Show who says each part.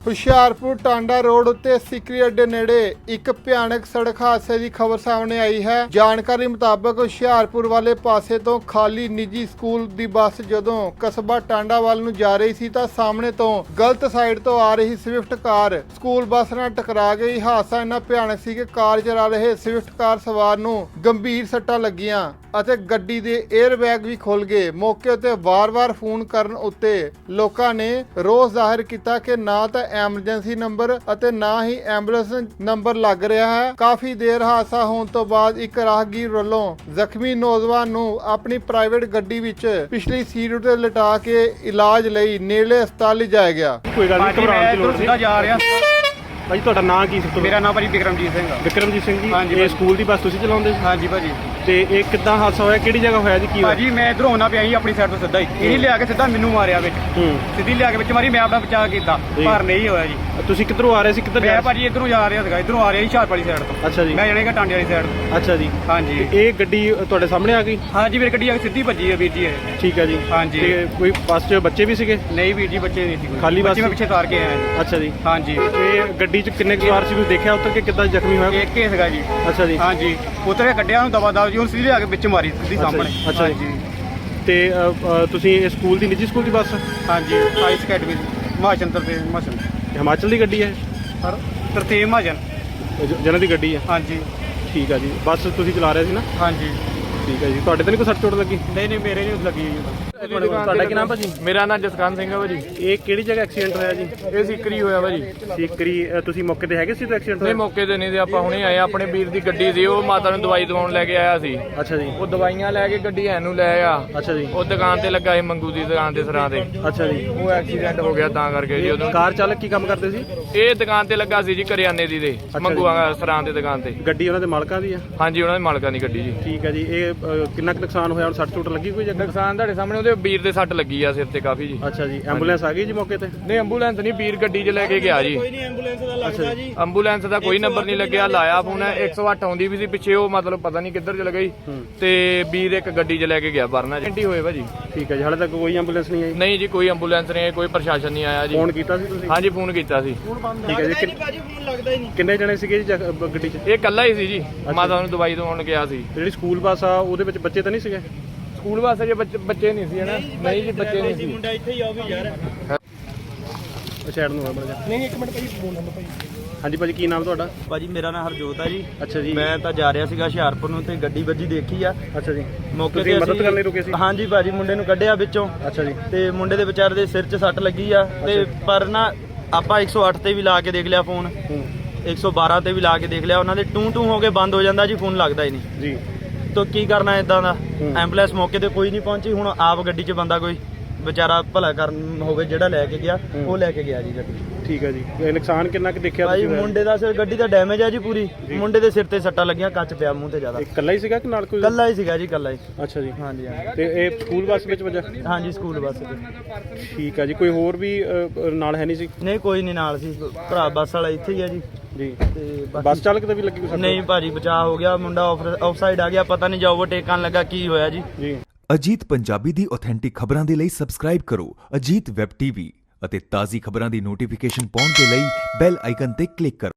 Speaker 1: Hoshiarpur Tanda road ਉੱਤੇ ਸਿਕਰੀ ਅੱਡੇ ਨੇੜੇ ਇੱਕ ਭਿਆਨਕ ਸੜਕ ਹਾਦਸੇ ਦੀ ਖਬਰ ਸਾਹਮਣੇ ਆਈ ਹੈ। ਜਾਣਕਾਰੀ ਮੁਤਾਬਕ ਹੁਸ਼ਿਆਰਪੁਰ ਵਾਲੇ ਪਾਸੇ ਤੋਂ ਖਾਲੀ ਨਿੱਜੀ ਸਕੂਲ ਦੀ ਬੱਸ ਜਦੋਂ ਕਸਬਾ ਟਾਂਡਾ ਵੱਲ ਨੂੰ ਜਾ ਰਹੀ ਸੀ ਤਾਂ ਸਾਹਮਣੇ ਤੋਂ ਗਲਤ ਸਾਈਡ ਤੋਂ ਆ ਰਹੀ ਸਵਿਫਟ ਕਾਰ ਸਕੂਲ ਬੱਸ ਨਾਲ ਟਕਰਾ ਗਈ। ਹਾਦਸਾ ਇੰਨਾ ਭਿਆਨਕ ਸੀ ਕਿ ਕਾਰ ਚਲਾ ਰਹੇ ਸਵਿਫਟ ਕਾਰ ਸਵਾਰ ਨੂੰ ਗੰਭੀਰ ਸੱਟਾਂ ਲੱਗੀਆਂ ਅਤੇ ਗੱਡੀ ਦੇ 에ਅਰ ਬੈਗ ਵੀ ਖੁੱਲ ਗਏ। ਮੌਕੇ ਉੱਤੇ ਵਾਰ-ਵਾਰ ਫੋਨ ਕਰਨ ਉੱਤੇ ਲੋਕਾਂ ਨੇ ਰੋਸ ਜ਼ਾਹਿਰ ਕੀਤਾ ਕਿ ਨਾ ਤਾਂ ਐਮਰਜੈਂਸੀ ਨੰਬਰ ਅਤੇ ਨਾ ਹੀ ਐਂਬੂਲੈਂਸ ਨੰਬਰ ਲੱਗ ਰਿਹਾ ਹੈ। ਕਾਫੀ ਦੇਰ ਹਾਦਸਾ ਹੋਣ ਤੋਂ ਬਾਅਦ ਇੱਕ ਰਾਹਗੀਰ ਵੱਲੋਂ ਜ਼ਖਮੀ ਨੌਜਵਾਨ ਨੂੰ ਆਪਣੀ ਪ੍ਰਾਈਵੇਟ ਗੱਡੀ ਵਿੱਚ ਪਿਛਲੀ ਸੀਟ ਉੱਤੇ ਲਿਟਾ ਕੇ ਇਲਾਜ ਲਈ ਨੇੜਲੇ ਹਸਪਤਾਲ ਲਿਜਾਇਆ ਗਿਆ।
Speaker 2: ਕੋਈ ਗੱਲ ਨਹੀਂ, ਘਬਰਾਉਣ ਦੀ ਲੋੜ ਨਹੀਂ।
Speaker 3: ਜਾ ਰਿਹਾ
Speaker 2: ਭਾਜੀ ਤੁਹਾਡਾ ਨਾਂ ਕੀ ਸੀ?
Speaker 3: ਮੇਰਾ ਨਾਮ ਭਾਜੀ ਵਿਕਰਮਜੀਤ ਸਿੰਘ ਆ।
Speaker 2: ਵਿਕਰਮਜੀਤ ਸਿੰਘ ਜੀ,
Speaker 3: ਹਾਂਜੀ
Speaker 2: ਇਹ ਸਕੂਲ ਦੀ ਬੱਸ ਤੁਸੀਂ ਚਲਾਉਂਦੇ ਸੀ?
Speaker 3: ਹਾਂਜੀ ਭਾਜੀ।
Speaker 2: ਤੇ ਇਹ ਕਿੱਦਾਂ ਹਾਦਸਾ ਹੋਇਆ, ਕਿਹੜੀ ਜਗ੍ਹਾ ਹੋਇਆ ਜੀ, ਕੀ ਹੋਇਆ?
Speaker 3: ਭਾਜੀ ਮੈਂ ਇਧਰੋਂ ਆਉਣਾ ਪਿਆ ਸੀ ਆਪਣੀ ਸਾਈਡ ਤੋਂ ਸਿੱਧਾ ਹੀ, ਇਹਨੇ ਲਿਆ ਕੇ ਸਿੱਧਾ ਮੈਨੂੰ ਮਾਰਿਆ ਵਿੱਚ, ਸਿੱਧੀ ਲਿਆ ਕੇ ਵਿੱਚ ਮਾਰੀ। ਮੈਂ ਆਪਣਾ ਬਚਾਅ ਕੀਤਾ ਪਰ ਨਹੀਂ ਹੋਇਆ ਜੀ।
Speaker 2: ਤੁਸੀਂ ਕਿੱਧਰੋਂ ਆ ਰਹੇ ਸੀ? ਕਿੱਧਰ
Speaker 3: ਮੈਂ ਭਾਜੀ ਇਧਰੋਂ ਜਾ ਰਿਹਾ ਸੀਗਾ, ਇਧਰੋਂ ਆ ਰਿਹਾ ਸੀ ਹੁਸ਼ਿਆਰਪੁਰ ਵਾਲੀ ਸਾਈਡ ਤੋਂ।
Speaker 2: ਅੱਛਾ ਜੀ।
Speaker 3: ਮੈਂ ਜਾਣੇਗਾ ਟਾਂਡੇ ਵਾਲੀ ਸਾਈਡ ਤੋਂ।
Speaker 2: ਅੱਛਾ ਜੀ।
Speaker 3: ਹਾਂਜੀ।
Speaker 2: ਇਹ ਗੱਡੀ ਤੁਹਾਡੇ ਸਾਹਮਣੇ ਆ ਗਈ?
Speaker 3: ਹਾਂਜੀ ਮੇਰੀ ਗੱਡੀ ਆ ਕੇ ਸਿੱਧੀ ਭੱਜੀ ਹੈ ਵੀਰ ਜੀ ਇਹ।
Speaker 2: ਠੀਕ ਹੈ ਜੀ।
Speaker 3: ਹਾਂਜੀ।
Speaker 2: ਤੇ ਕੋਈ ਬੱਸ 'ਚ ਬੱਚੇ ਵੀ ਸੀਗੇ?
Speaker 3: ਨਹੀਂ ਵੀਰ ਜੀ, ਬੱਚੇ ਨਹੀਂ ਸੀ ਕੋਈ।
Speaker 2: ਖਾਲੀ ਬੱਸ?
Speaker 3: ਬੱਚੇ ਮੈਂ ਪਿੱਛੇ ਤਾਰ ਕੇ ਆਇਆ ਜੀ।
Speaker 2: ਅੱਛਾ ਜੀ।
Speaker 3: ਹਾਂਜੀ।
Speaker 2: ਇਹ ਗੱਡੀ 'ਚ ਕਿੰਨੇ ਸਵਾਰ ਸੀ, ਤੁਸੀਂ ਦੇਖਿਆ ਉੱਤਰ ਕੇ ਕਿੱਦਾਂ ਜ਼ਖਮੀ ਹੋਇਆ?
Speaker 3: ਇੱਕ ਹੀ ਸੀਗਾ ਜੀ।
Speaker 2: ਅੱਛਾ ਜੀ।
Speaker 3: ਹਾਂਜੀ। ਉਤਰ ਕੇ ਕੱਢਿਆ ਉਹਨੂੰ ਦਵਾ ਦਵਾ ਜੀ, ਉਹਨੂੰ ਸਿੱਧੀ ਲਿਆ ਕੇ ਵਿੱਚ ਮਾਰੀ ਸਿੱਧੀ ਸਾਹਮਣੇ।
Speaker 2: ਅੱਛਾ ਜੀ। ਤੇ ਤੁਸੀਂ ਇਹ ਸਕੂਲ ਦੀ ਨਿੱਜੀ ਸਕੂਲ ਦੀ ਬੱਸ?
Speaker 3: ਹਾਂਜੀ। ਆਈਸ ਅਕੈਡਮੀ ਹਿਮਾਚਲ
Speaker 2: ਹਿਮਾਚਲ ਦੀ ਗੱਡੀ ਹੈ?
Speaker 3: ਤਰਤੀਬ ਮਹਾਜਨ
Speaker 2: ਜਿਹਨਾਂ ਦੀ ਗੱਡੀ ਹੈ?
Speaker 3: ਹਾਂਜੀ।
Speaker 2: ਠੀਕ ਹੈ ਜੀ। ਬੱਸ ਤੁਸੀਂ ਚਲਾ ਰਹੇ ਸੀ ਨਾ?
Speaker 3: ਹਾਂਜੀ।
Speaker 2: ਠੀਕ ਹੈ ਜੀ। ਤੁਹਾਡੇ ਤੇ ਨਹੀਂ ਕੋਈ ਸੱਟ ਚੋਟ ਲੱਗੀ?
Speaker 3: ਨਹੀਂ ਮੇਰੇ ਨਹੀਂ ਲੱਗੀ ਜੀ।
Speaker 2: ਤੁਹਾਡਾ ਕੀ ਨਾਮ ਭਾਜੀ?
Speaker 4: ਮੇਰਾ ਨਾਮ ਜਸਕਾਂਤ ਸਿੰਘ ਹੈ ਭਾਜੀ।
Speaker 2: ਇਹ ਕਿਹੜੀ ਜਗ੍ਹਾ ਐਕਸੀਡੈਂਟ ਹੋਇਆ ਜੀ?
Speaker 4: ਇਹ ਸਿੱਕਰੀ ਹੋਇਆ ਭਾਜੀ।
Speaker 2: ਸਿੱਕਰੀ। ਤੁਸੀਂ ਮੌਕੇ ਤੇ ਹੈਗੇ ਸੀ ਜਦੋਂ ਐਕਸੀਡੈਂਟ
Speaker 4: ਨਹੀਂ
Speaker 2: ਹੋਇਆ?
Speaker 4: ਮੌਕੇ ਤੇ ਨਹੀਂ ਤੇ ਆਪਾਂ ਹੁਣੇ ਆਏ। ਆਪਣੇ ਵੀਰ ਦੀ ਗੱਡੀ ਸੀ, ਉਹ ਮਾਤਾ ਨੂੰ ਦਵਾਈ ਦਵਾਉਣ ਲੈ ਕੇ ਆਇਆ ਸੀ।
Speaker 2: ਅੱਛਾ ਜੀ।
Speaker 4: ਉਹ ਦਵਾਈਆਂ ਲੈ ਕੇ ਗੱਡੀ ਐਨੂੰ ਲੈ ਆ।
Speaker 2: ਅੱਛਾ ਜੀ।
Speaker 4: ਉਹ ਦੁਕਾਨ ਤੇ ਲੱਗਾ ਸੀ, ਮੰਗੂ ਦੀ ਦੁਕਾਨ ਤੇ ਸਰਾਂ ਤੇ।
Speaker 2: ਅੱਛਾ ਜੀ।
Speaker 4: ਉਹ ਐਕਸੀਡੈਂਟ ਹੋ ਗਿਆ ਤਾਂ ਕਰਕੇ ਜੀ। ਉਦੋਂ
Speaker 2: ਕਾਰ ਚਾਲਕ ਕੀ ਕੰਮ ਕਰਦੇ ਸੀ?
Speaker 4: ਇਹ ਦੁਕਾਨ ਤੇ ਲੱਗਾ ਸੀ ਜੀ, ਕਰਿਆਨੇ ਦੀ ਦੇ ਮੰਗੂ ਸਰਾਂ ਦੇ ਦੁਕਾਨ ਤੇ।
Speaker 2: ਗੱਡੀ ਉਹਨਾਂ ਦੇ ਮਾਲਕਾਂ ਦੀ ਆ?
Speaker 4: ਹਾਂਜੀ, ਉਹਨਾਂ ਦੇ ਮਾਲਕਾਂ ਦੀ ਗੱਡੀ ਜੀ।
Speaker 2: ਠੀਕ ਹੈ ਜੀ। ਇਹ ਕਿੰਨਾ ਕੁ ਨੁਕਸਾਨ ਹੋਇਆ? ਸੱਟ ਚੋਟ ਲੱਗੀ ਕੋਈ ਜਗ੍ਹਾ?
Speaker 4: ਨੁਕਸਾਨ ਤੁਹਾਡੇ ਸਾਹਮਣੇ, ਉਹਦੇ ਵੀਰ ਦੇ ਸੱਟ ਲੱਗੀ ਆ ਸਿਰ ਤੇ ਕਾਫੀ ਜੀ।
Speaker 2: ਅੱਛਾ ਜੀ। ਐਂਬੂਲੈਂਸ ਆ ਗਈ ਜੀ ਮੌਕੇ ਤੇ?
Speaker 4: ਨਹੀਂ ਐਂਬੂਲੈਂਸ ਨਹੀਂ, ਵੀਰ ਗੱਡੀ 'ਚ ਲੈ ਕੇ ਗਿਆ ਜੀ।
Speaker 2: ਅੱਛਾ ਜੀ।
Speaker 4: ਐਂਬੂਲੈਂਸ ਦਾ ਕੋਈ ਨੰਬਰ ਨਹੀਂ ਲੱਗਿਆ। ਲਾਇਆ ਫੋਨ, 108 ਆਉਂਦੀ ਵੀ ਸੀ ਪਿੱਛੇ, ਉਹ ਮਤਲਬ ਪਤਾ ਨਹੀਂ ਕਿੱਧਰ ਚਲ ਗਈ ਤੇ ਵੀਰ ਇੱਕ ਗੱਡੀ 'ਚ ਲੈ ਕੇ ਗਿਆ ਵਰਨਾ ਜੀ ਹੋਏ ਭਾਜੀ।
Speaker 2: ਠੀਕ ਹੈ ਜੀ। ਹਾਲੇ ਤੱਕ ਕੋਈ ਐਂਬੂਲੈਂਸ ਨਹੀਂ ਆਈ?
Speaker 4: ਨਹੀਂ ਜੀ, ਕੋਈ ਐਂਬੂਲੈਂਸ ਨਹੀਂ ਆਈ, ਕੋਈ ਪ੍ਰਸ਼ਾਸਨ ਨਹੀਂ ਆਇਆ ਜੀ।
Speaker 2: ਫੋਨ ਕੀਤਾ ਸੀ ਤੁਸੀਂ?
Speaker 4: ਹਾਂਜੀ ਫੋਨ ਕੀਤਾ ਸੀ।
Speaker 2: ਠੀਕ ਹੈ ਜੀ। ਕਿੰਨੇ ਜਣੇ ਸੀਗੇ ਜੀ ਗੱਡੀ 'ਚ?
Speaker 4: ਇਹ ਇਕੱਲਾ ਹੀ ਸੀ ਜੀ, ਮਾਤਾ ਨੂੰ ਦਵਾਈ ਦਵਾਉਣ ਗਿਆ ਸੀ।
Speaker 2: ਜਿਹੜੀ ਸਕੂਲ ਬੱਸ ਆ ਉਹਦੇ ਵਿੱਚ ਬੱਚੇ ਤਾਂ ਨਹੀਂ ਸੀਗੇ?
Speaker 4: ਸਕੂਲ ਵਾਸਤੇ ਜੇ ਬੱਚੇ ਨਹੀਂ ਸੀ ਹਨਾ? ਨਹੀਂ ਜੀ, ਬੱਚੇ ਨਹੀਂ ਸੀ।
Speaker 3: ਮੁੰਡਾ ਇੱਥੇ ਹੀ ਆ, ਉਹ ਵੀ ਯਾਰ।
Speaker 2: ਸਾਈਡ ਨੂੰ ਬੜਾ ਜਾ।
Speaker 3: ਨਹੀਂ ਇੱਕ ਮਿੰਟ ਭਾਜੀ, ਫੋਨ ਨੰਬਰ ਭਾਜੀ।
Speaker 2: ਹਾਂਜੀ ਭਾਜੀ, ਕੀ ਨਾਮ ਤੁਹਾਡਾ?
Speaker 3: ਭਾਜੀ ਮੇਰਾ ਨਾਮ ਹਰਜੋਤ ਆ ਜੀ।
Speaker 2: ਅੱਛਾ ਜੀ।
Speaker 3: ਮੈਂ ਤਾਂ ਜਾ ਰਿਹਾ ਸੀਗਾ ਹੁਸ਼ਿਆਰਪੁਰ ਨੂੰ ਤੇ ਗੱਡੀ ਵੱਜੀ ਦੇਖੀ ਆ।
Speaker 2: ਅੱਛਾ ਜੀ।
Speaker 3: ਮੌਕੇ
Speaker 2: ਤੁਸੀਂ
Speaker 3: ਤੇ
Speaker 2: ਮਦਦ
Speaker 3: ਅਸੀਂ-
Speaker 2: ਕਰਨ ਲਈ ਰੁਕੇ ਸੀ?
Speaker 3: ਹਾਂਜੀ ਭਾਜੀ, ਮੁੰਡੇ ਨੂੰ ਕੱਢਿਆ ਵਿੱਚੋਂ
Speaker 2: ਅੱਛਾ ਜੀ।
Speaker 3: ਤੇ ਮੁੰਡੇ ਦੇ ਵਿਚਾਰੇ ਦੇ ਸਿਰ 'ਚ ਸੱਟ ਲੱਗੀ ਆ ਤੇ ਪਰ ਨਾ ਆਪਾਂ 108 ਤੇ ਵੀ ਲਾ ਕੇ ਦੇਖ ਲਿਆ ਫੋਨ, 112 ਤੇ ਵੀ ਲਾ ਕੇ ਦੇਖ ਲਿਆ, ਉਹਨਾਂ ਦੇ ਟੂ ਹੋ ਕੇ ਬੰਦ ਹੋ ਜਾਂਦਾ ਜੀ, ਫੋਨ ਲੱਗਦਾ ਹੀ ਨਹੀਂ
Speaker 2: ਜੀ।
Speaker 3: ਤਾਂ ਕੀ ਕਰਨਾ ਇਦਾਂ ਦਾ। ਐਂਬੂਲੈਂਸ ਮੌਕੇ ਤੇ ਕੋਈ ਨਹੀਂ ਪਹੁੰਚੀ, ਹੁਣ ਆਪ ਗੱਡੀ 'ਚ ਬੰਦਾ ਕੋਈ ਵਿਚਾਰਾ ਭਲਾ ਕਰਨ ਹੋਵੇ ਜਿਹੜਾ ਲੈ ਕੇ ਗਿਆ, ਉਹ ਲੈ ਕੇ ਗਿਆ ਜੀ ਗੱਡੀ।
Speaker 2: ਠੀਕ ਹੈ ਜੀ। ਇਹ ਨੁਕਸਾਨ ਕਿੰਨਾ ਕੁ ਦੇਖਿਆ
Speaker 3: ਭਾਈ
Speaker 2: ਤੁਸੀਂ?
Speaker 3: ਮੁੰਡੇ ਦਾ ਸਿਰ, ਗੱਡੀ ਦਾ ਡੈਮੇਜ ਆ ਜੀ ਪੂਰੀ। ਮੁੰਡੇ ਦੇ ਸਿਰ ਤੇ ਸੱਟਾਂ ਲੱਗੀਆਂ, ਕੱਚ ਪਿਆ ਮੂੰਹ ਤੇ ਜ਼ਿਆਦਾ।
Speaker 2: ਇਕੱਲਾ ਹੀ ਸੀਗਾ ਕਿ ਨਾਲ ਕੋਈ?
Speaker 3: ਕੱਲਾ ਹੀ ਸੀਗਾ ਜੀ, ਕੱਲਾ ਹੀ।
Speaker 2: ਅੱਛਾ ਜੀ।
Speaker 3: ਹਾਂਜੀ ਹਾਂਜੀ।
Speaker 2: ਤੇ ਇਹ ਸਕੂਲ ਬੱਸ ਵਿੱਚ ਵਜਾ?
Speaker 3: ਹਾਂਜੀ ਸਕੂਲ ਬੱਸ ਤੇ।
Speaker 2: ਠੀਕ ਹੈ ਜੀ। ਕੋਈ ਹੋਰ ਵੀ ਨਾਲ ਹੈ ਨਹੀਂ ਸੀ?
Speaker 3: ਨਹੀਂ ਕੋਈ ਨਹੀਂ ਨਾਲ ਸੀ, ਭਰਾ ਬੱਸ ਵਾਲਾ ਇੱਥੇ ਹੀ ਆ ਜੀ।
Speaker 2: ਜੀ।
Speaker 3: ਤੇ
Speaker 2: ਬੱਸ ਚਾਲਕ ਤੇ ਵੀ ਲੱਗੀ ਕੋਈ ਸੱਟ?
Speaker 3: ਨਹੀਂ ਭਾਜੀ, ਬਚਾਅ ਹੋ ਗਿਆ, ਮੁੰਡਾ ਆਫ ਸਾਈਡ ਆ ਗਿਆ, ਪਤਾ ਨਹੀਂ ਜਾ ਓਵਰਟੇਕ ਕਰਨ ਲੱਗਾ ਕੀ ਹੋਇਆ ਜੀ।
Speaker 2: ਜੀ।
Speaker 5: ਅਜੀਤ ਪੰਜਾਬੀ ਦੀ ਆਥੈਂਟਿਕ ਖਬਰਾਂ ਦੇ ਲਈ ਸਬਸਕ੍ਰਾਈਬ ਕਰੋ ਅਜੀਤ ਵੈਬ ਟੀਵੀ ਅਤੇ ਤਾਜ਼ੀ ਖਬਰਾਂ ਦੀ ਨੋਟੀਫਿਕੇਸ਼ਨ ਪਾਉਣ ਦੇ ਲਈ ਬੈਲ ਆਈਕਨ ਤੇ ਕਲਿੱਕ ਕਰੋ।